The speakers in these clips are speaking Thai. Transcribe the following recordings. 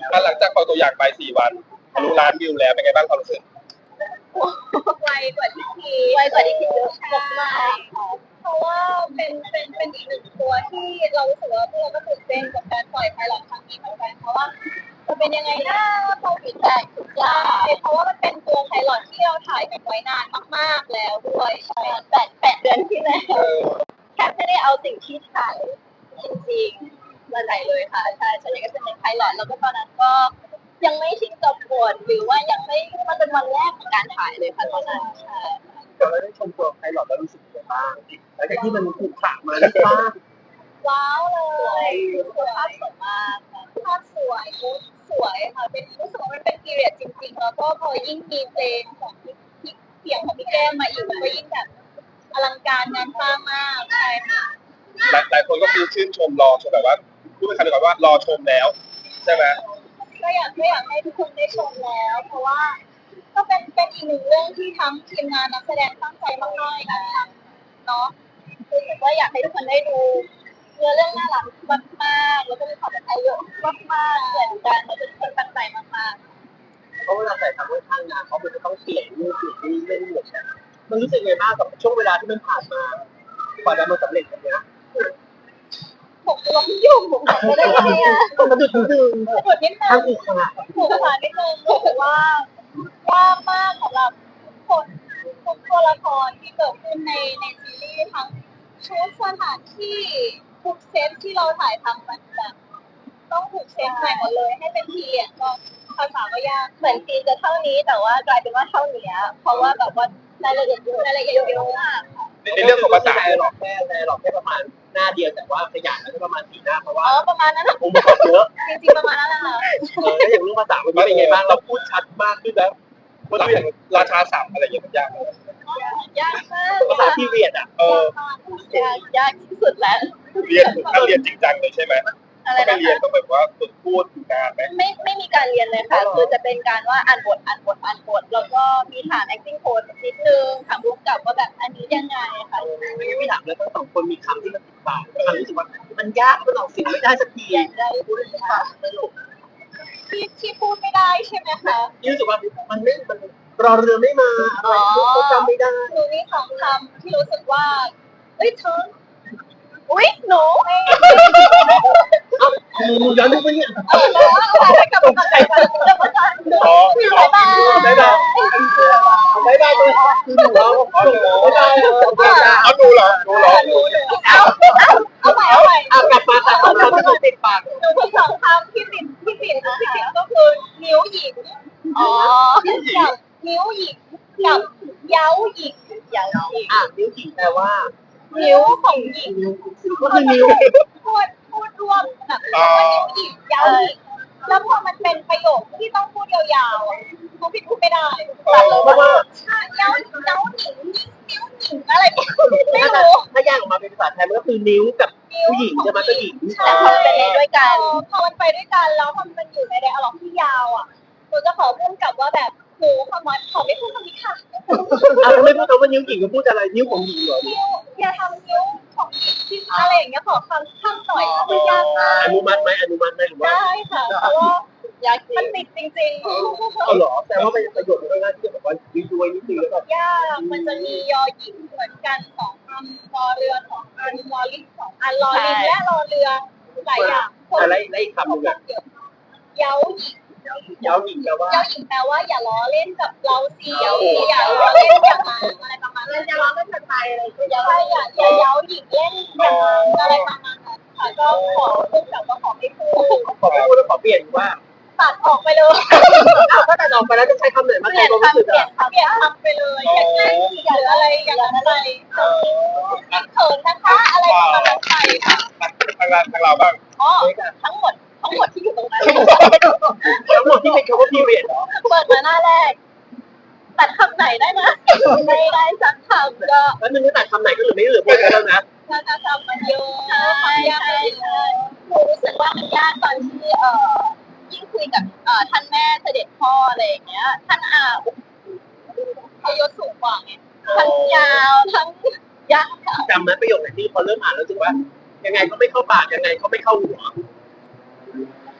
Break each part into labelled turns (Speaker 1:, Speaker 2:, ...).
Speaker 1: หลังจากปล่อยตัวอย่างไป4 วันทะลุล้านวิวแล้วเป็นไงบ้างความรู้สึก
Speaker 2: ไวกว่าที่คิดไวกว่าที่คิดเยอะมากเพราะว่าเป็นอีกหนึ่งตัวที่เรารู้สึกว่าพวกเราก็ตื่นเต้นกับการปล่อยไพลอตครั้งนี้เหมือนกันเพราะว่าจะเป็นยังไงนะพอฟีดแบ็กทุกอย่างเพราะว่ามันเป็นตัวไพลอตที่เราถ่ายกันไว้นานมากๆแล้วด้วยใช่8 เดือนที่แล้วแค่ไม่ได้เอาสิ่งที่ถ่ายจริงๆมาไหนเลยค่ะใช่ฉันอยากจะเป็นไพลอตแล้วก็ตอนนั้นก็ยังไม่ชินกับบทหรือว่ายังไม่มันเป็นวันแรกของการถ่ายเลยค่ะตอนนั้นใช่
Speaker 3: เราได้ชมตัวไพลอตแล้วรู้สึกยังไงบ้างหลังจากที่มันถูกขะมาแล้วบ้าง
Speaker 2: ว้าวเลยภาพสวยมากภาพสวยชุดสวยค่ะเป็นรู้สึกว่ามันเป็นพีเรียดจริงๆแล้วก็พอยิ่งมีเพลงของพี่เสียงของพี่แก้มมาอีกมันก็ยิ่งแบบอลังการงานสร้างมากใช่ค่ะ
Speaker 1: หลายคนก็คือชื่นชมรอชมแบบว่าพูดเป็นคำเดียวกันว่ารอชมแล้วใช่ไหม
Speaker 2: ก็อยากให้ทุกคนได้ชมแล้วเพราะว่าก็เป็นอีกหนึ่งเรื่องที่ทั้งทีมงานนักแสดงตั้งใจมากๆกันเนาะรู้สึกว่าอยากให้ทุกคนได้ดูเนื้อเรื่องน่ารักมากๆแล้วก็มีความเป็นไทยเยอะมากๆเหมือนกันแล้วทุกคนตั้งใจมาก
Speaker 3: เพราะเวลาใส่ทำให้ข้างงานเขาจะต้องเปลี่ยนรูปเปลี่ยนนี่เล่นหมดมันรู้สึกไงบ้างกับช่วงเวลาที่มันผ่านมากว่าจะมาสำเร็จแบบนี้
Speaker 2: ผมล้มยุ่งผมไม่ได้ไงอ่ะ
Speaker 3: มันดุดนิดนึง
Speaker 2: ดุดนิดนึง
Speaker 3: ทั้งอีกค่ะ
Speaker 2: ถูกค่ะนิดนึงรู้สึกว่ายากมากสำหรับทุกคนทุกตัวละครที่เกิดขึ้นในซีรีส์ทั้งชุดสถานที่ทุกเซตที่เราถ่ายทำมันแบบต้องถูกเซตใหม่หมดเลยให้เป็นทีอ่ะก็ภาษาก็ยากเหมือนซีจะเท่านี้แต่ว่ากลายเป็นว่าเท่านี้เพราะว่าแบบว่ารายละเอียดเยอะมาก
Speaker 1: ในเรื่องของภาษา
Speaker 3: หลอกแค่ประมาณหน้าเดียวแต่ว่าขยายแล้วก็ประมาณ4 หน้าเพราะว่า
Speaker 2: ประมาณนั้น
Speaker 3: องค์ประกอบเยอะ
Speaker 2: จริงๆประมาณนั้นแหละค่ะ
Speaker 3: แล้วอย่างเรื่องภาษามันเป็นไงบ้างเราพูดชัดมากขึ้นแล้ว
Speaker 1: ภาษาอย่างราชาศัพท์อะไรอย่างเงี้ยยาก
Speaker 2: ยากมาก
Speaker 3: ภาษาพีเรียด
Speaker 2: ยากที่สุดแล้ว
Speaker 1: ถ้าเรียนจริงจังเลยใช่ไหมต้องไปเรียนต้องแบบว่าฝึกพูดงานไหม
Speaker 2: ไม่มีการเรียนเลยค่ะคือจะเป็นการว่าอ่านบทแล้วก็มีฐาน acting coach นิดนึงถามรู้กับว่าแบบอันนี้ยังไงค่ะ
Speaker 3: ไม่ถามแล้วทั้งสองคนมีคำที่มันติดปากคำรู้สึกว่ามันยากมันออกเสียงไม่ได้สักที
Speaker 2: ได้พูดค่ะที่พูดไม่ได้ใช่ไหมคะ
Speaker 3: รู้สึกว่ามันรอเรือไม่มาอะไรก็จำไม่ได้
Speaker 2: หนูมีสองคำที่รู้สึกว่าเอ้ยเธออุ๊ยหนู
Speaker 3: ย้อนดูไปเนี่ย
Speaker 2: แล้วกลับมาใส่กันจะมาจันดู
Speaker 1: ได้
Speaker 3: ได้เลยคือหนูเรา
Speaker 1: เอาดูเหรอ
Speaker 2: เอาใหม่
Speaker 3: กลับมาแต่ตอนที่ติดปาก
Speaker 2: หนูมีสองคำที่ติดก็คือนิ้วหญิงกับนิ้วหญิงกับเย้าหญิง
Speaker 3: นิ้วหญิงแปลว่า
Speaker 2: นิ้วของหญิง
Speaker 3: ก็คือนิ้ว
Speaker 2: พูดรวมแบบว่านิ้วหญิงเย้าหญิงแล้วพอมันเป็นประโยคที่ต้องพูดยาวๆเขาผิดพูดไม่ได้
Speaker 3: เพราะว่า
Speaker 2: เย้าหญิงนิ้วหญิงอะไรไม่รู้
Speaker 3: ถ้าแยกออกมาเป็นภาษาไทยมันก็คือนิ้วกับผู้หญิงจะมาก็หญิง
Speaker 2: แต่พอมันเป็นด้วยกันพอมันไปด้วยกันแล้วมันอยู่ในไดอะล็อกที่ยาวอ่ะหนูจะขอพูดกับว่าแบบหนูขอไม่พูดคำนี้ค่ะ
Speaker 3: ไม่พูดคำว่านิ้วหญิงก็พูดอะไรนิ้วของหญิงเหรอ
Speaker 2: อย่าทำนิ้วของหญิงที่อะไรอย่างเงี้ยขอคำหน่อยคือยากมาก
Speaker 3: อนุมัติไหมหรือว่า
Speaker 2: ได้ค่ะเพราะว่ามันติดจริง
Speaker 3: ๆหรอแต่ว่าเป็นประโยชน์มันก็ง่ายที่จะแบบว่าด้วยนิดนึงแล้วก็
Speaker 2: ยากมันจะมียอหญิงเหมือนกัน2 อันรอเรือ2 อันรอลิง2 อันรอลิงและรอเรือหลายอย่าง
Speaker 3: อะไรอีกคำหนึ่งอะ
Speaker 2: เย้าหญิง
Speaker 3: เย้าหญิงแปลว่า
Speaker 2: อย่าล้อเล่นกับเราสิอย่าล้อเล่นอย่างนั้นอะไรประมาณนั้นอย่าล้อเล่นกับใครอะไรอย่าเย้าหญิงเล่นอย่างนั้นอะไรประมาณนั้นค่ะก็ขอพูดกับว่าขอไม่พูด
Speaker 3: แล้วขอเปลี่ยนว่า
Speaker 2: ตัดออกไปเลย
Speaker 3: ก็ตัดออกไปแล้วจะใช้คำไหนมาแทนความรู้สึก
Speaker 2: เปลี่ยนคำไปเลยอย่าอะไรอย่างนั้นอะไรเขินนะคะอะไรประมาณนั้นไปค่ะ
Speaker 1: ทางเราบ้าง
Speaker 2: ทั้งหมดที่อยู่ตรงนั้น
Speaker 3: ทั้งหมดที่เป็นคำว่าพีเรียด
Speaker 2: เปิดมาหน้าแรกตัดคำไหนได้นะไม่ได้สักคำก็
Speaker 3: แล้วมึงจะตัดคำไหนก็เหลือไม่เหลือพวกแล้วนะ
Speaker 2: ถ้าคำมันเยอะใช่หนูรู้สึกว่ามันยากตอนที่ยิ่งคุยกับท่านแม่เสด็จพ่ออะไรอย่างเงี้ยท่านอายุสูงกว่าไงทั้งยาวทั้งยาก
Speaker 3: จำไหมประโยคไหนที่พอเริ่มอ่านแล้วรู้สึกว่ายังไงก็ไม่เข้าปากยังไงก็ไม่เข้าหัว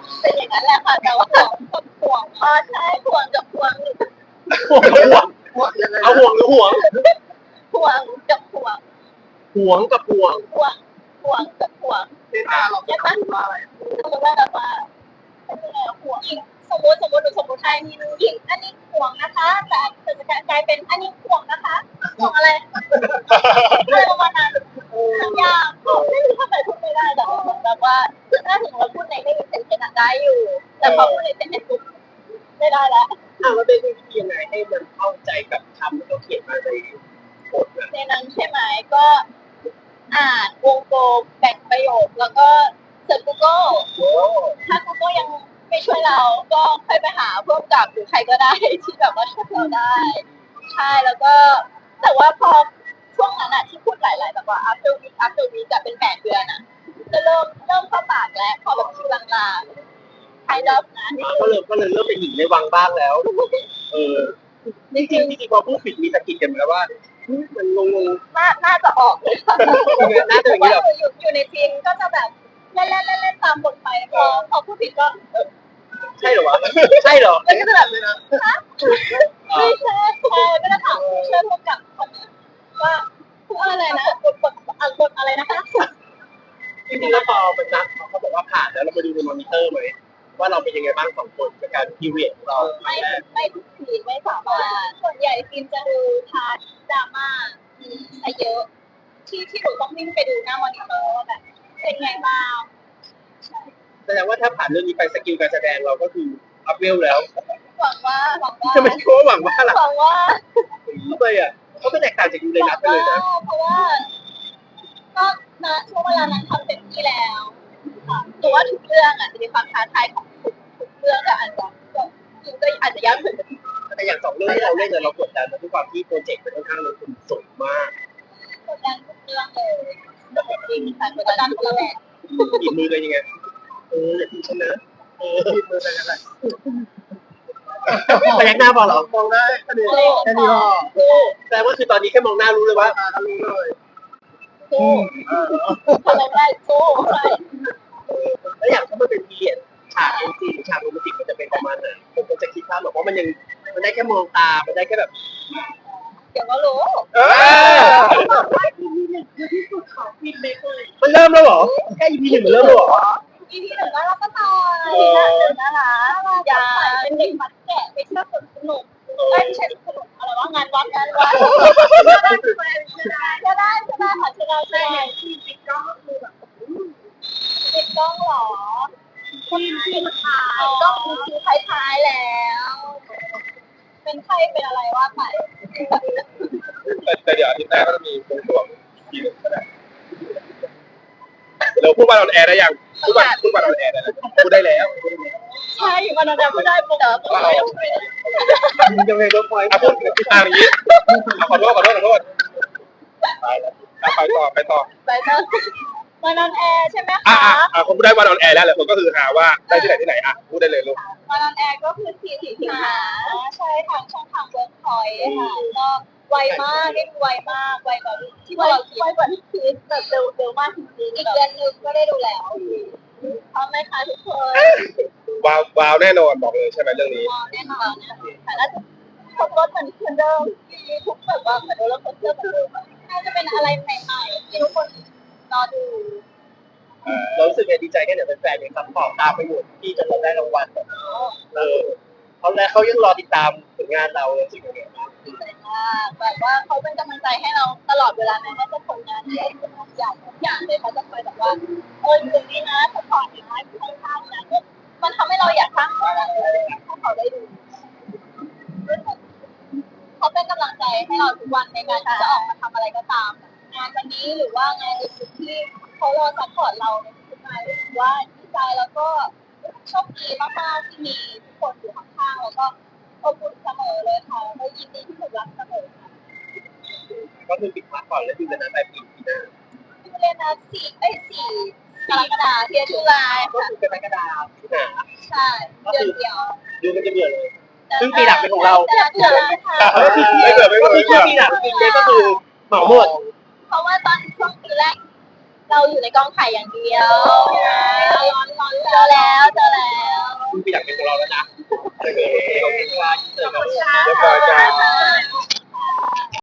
Speaker 2: เป็นอย่างนั้นแหละค่ะแต่ว่าห่วงใช่ห่วงกับห่วง
Speaker 3: ห่วงกับห่วงเอาห่วงหรือห่วง
Speaker 2: ห่วงกับห่วง
Speaker 3: ห่วงกับห่วง
Speaker 2: ห่วงกับห่วง
Speaker 3: เต้นตาเราจะพูดว่าอะไร
Speaker 2: สมมติว่าแบบว่าห่วงอีกสมมติหนูสมมติใครมีอีกอันนี้ห่วงนะคะแต่จะกลายเป็นอันนี้ห่วงนะคะห่วงอะไรอะไรประมาณนั้นยากไม่รู้ทำไมพูดไม่ได้แต่เหมือนแบบว่าถ้าถึงเราพูดในไม่มีเซนเซนได้อยู่แต่พอพูดในเซนเซนปุ๊บไม่ได้แล้ว
Speaker 3: มันเป็นวิธียังไงให้มันเข้าใจกับคำที่เขาเขียนมาในบทนะ
Speaker 2: ในนั้นใช่ไหมก็อ่านวงกลมแบ่งประโยคแล้วก็เสิร์ช Google ถ้า Google ยังไม่ช่วยเราก็ค่อยไปหาพวกกับหรือใครก็ได้ที่แบบว่าช่วยเราได้ใช่แล้วก็แต่ว่าพอช่วงนั้นอะที่พูดหลายๆแบบว่า after week อะเป็น8 เดือนอะก็เริ่มเข้าปากแล้วพอแบบชื่อลางๆ kind of นะ
Speaker 3: ก็เลยเริ่มเป็นหญิงในวังบ้างแล้วจริงพอพูดผิดมีสะกิดกันไหมว่ามันงง
Speaker 2: น่าจะออกเลยค่ะ
Speaker 3: น่าจะอย่างนี้หรอ
Speaker 2: อยู่ในทีมก็จะแบบเล่นตามบทไปพอพูดผิดก็
Speaker 3: ใช่เหรอวะใช่เหรอ
Speaker 2: มันก็จะแบบฮะไม่ใช่ก็จะถามผู้ช่วยผู้กำกับคนนั้นว่าพูดอะไรนะบทอะไรนะคะ
Speaker 3: จริงๆแล้วพอเป็นนักเขาบอกว่าผ่านแล้วเราไปดูในมอนิเตอร์ไหมว่าเราเป็นยังไงบ้างสองคนกับการพีเรียดของเรา
Speaker 2: ไม่ทุกทีไม่สามารถส่วนใหญ่ทีมจะดูพาร์ทดราม่าซะเยอะที่หนูต้องวิ่งไปดูหน้ามอนิเตอร์ว่าแบบเป็นไงบ้าง
Speaker 3: แสดงว่าถ้าผ่านเรื่องนี้ไปสกิลการแสดงเราก็คืออัพเวลแล้ว
Speaker 2: หวังว่า
Speaker 3: ทำไมคิดว่าหวังว่าล่ะ
Speaker 2: หวังว่า
Speaker 3: ทำไมอ่ะเขาไม่แตกต่างจากยูเรนัสไปเลยนะ
Speaker 2: เพราะว่าก็นะช่วงเวลานั้นทำเต็มที่แล้วค่ะแต่ว่าทุกเรื่องอ่ะจะมีความท้าทายของทุกเรื่องก็อาจจะยากขึ้น
Speaker 3: แต่อย่างสองเรื่องที่เราเล่นเนี่ยเรากดดันนะด้วยความที่โปรเจกต์มันค่อนข้างลงทุนสูงมาก
Speaker 2: กดดันทุกเรื่องเลยจริงค่ะกดดันคนละแบบ
Speaker 3: หยิบมือเลยยังไงอย่าทิ้งฉันนะหยิบมือไปกันเลยพยักหน้าพอเหรอมองได้แค่นี้พอแต่ว่าคือตอนนี้แค่มองหน้ารู้เลยว่ารู้เลย
Speaker 2: สู้ทำอะไรได้สู้ใช่
Speaker 3: แล้วอย่างถ้ามันเป็นพีเรียดฉากเอ็นซีฉากโรแมนติกมันจะเป็นประมาณไหนผมก็จะคิดภาพหรอกว่ามันยังมันได้แค่มองตามันได้แค่แบบ
Speaker 2: เดี๋ยวก็รู้
Speaker 3: บอกว่า EP 1คือที่สุดของฟินเบเกอร์มันเริ่มแล้วเหรอแค่ EP 1มันเริ่มแล้วเหรอ
Speaker 2: EP 1น่ารักก็ตายทีน่าตื่นนะคะอย่าเป็นเด็กมัดแกะไปเที่ยวสนุกไม่ใช่สนุกอะไรว่างานวัดก็ได้ค่ะใช่ที่ปิดกล้องก็คือแบบปิดกล้องหรอที่ถ่ายกล้องคือท้ายแล้ว เป็นใครเป็นอะไรว่าไป
Speaker 1: แต่เดี๋ยวอาทิตย์หน้าก็จะมีวงตัวทีนึงก็ได้เราพูดว่าเราแอร์ได้ยังพูดว่าเราแอร์ได้แล้วพูดได้แล้ว
Speaker 2: ใช่อยู่กันนานๆก็ได้ปุ๊บเดี๋ยว
Speaker 3: มันจะเป็นเวิร์กพอยต์
Speaker 1: พูดอย่างนี้ขอโทษไปแล้วไปต่อ
Speaker 2: ไปเถอะมานอนแอร์ใช่ไหม
Speaker 1: อ่ะ
Speaker 2: คะ
Speaker 1: คนพูดได้ว่าเราแอร์แล้วแหละคนก็คือหาว่าได้ที่ไหนอ่ะพูดได้เลยลูก
Speaker 2: มานอนแอร์ก็คือ4 สิงหาใช่ทางช่องทางเวิร์กพอยต์ค่ะก็ไวมากได้ดูไวมากไวกว่าที่เราคิดไวกว่าที่คิดแบบเร็วมากจริงๆอีกเดือนนึงก็ได้ดูแล้วพร้อมไหมคะทุกคน
Speaker 1: ว้าวแน่นอนบอกเลยใช่ไหมเรื่องนี้
Speaker 2: แน่นอนนะแต่น่าจะทุกรถเหมือนเดิมมีทุกแบบว่าเหมือนโรลเลอร์โคสเตอร์เหมือนเดิมน่าจะเป็นอะไรใหม่ๆที่ทุกคนรอดู
Speaker 3: เรารู้สึกดีใจแค่ไหนเป็นแฟนยังซัพพอร์ตตามไปอยู่ที่จะได้รางวัลแบบเขายังรอติดตามผลงานเราจริงๆ
Speaker 2: ดีใจมากแบบว่าเขาเป็นกำลังใจให้เราตลอดเวลาแม้ว่าจะผลงานที่ทุกอย่างเลยเขาจะคอยแบบว่าอยู่นี่นะสปอร์ตนะข้างๆนะมันทำให้เราอยากสร้างอะไรให้เขาได้ดูเขาเป็นกำลังใจให้เราทุกวันในการที่จะออกมาทำอะไรก็ตามงานวันนี้หรือว่างานอื่นๆที่เขารอซัพพอร์ตเราในทุกงานรู้สึกว่าดีใจแล้วก็โชคดีมากๆที่มีทุกคนอยู่ข้างๆแล้วก็อบอุ่นเสมอเลยค่ะแล้วก็ยินดีที่ถูกรักเสมอค่ะ
Speaker 3: ก็คือปิดพักก่อนแล้วดูกันนะปลายปีหน้า
Speaker 2: ยูเรนัส4กรกฎาคมตุลา
Speaker 3: ก็
Speaker 2: ค่ะ
Speaker 3: คือเป็นกรกฎาคมที่หนา
Speaker 2: ใช่เดือนเดียว
Speaker 3: ดูกันจะเบื่อเลยซึ่งปีหลักเป็นของเรา
Speaker 2: เดือนเลยค่ะ
Speaker 3: ก็คือปีหลักจริงๆก็คือเหมาหมด
Speaker 2: เพราะว่าตอนช่วงปีแรกเราอยู่ในกองถ่ายอย่างเดียวใช่ร้อนเจอแล้ว
Speaker 1: คุณอยากเป็นของเราแล้วนะโอเคขอบคุณค่ะ
Speaker 2: ขอบคุณค่ะ
Speaker 1: เรียบร้อยจ้า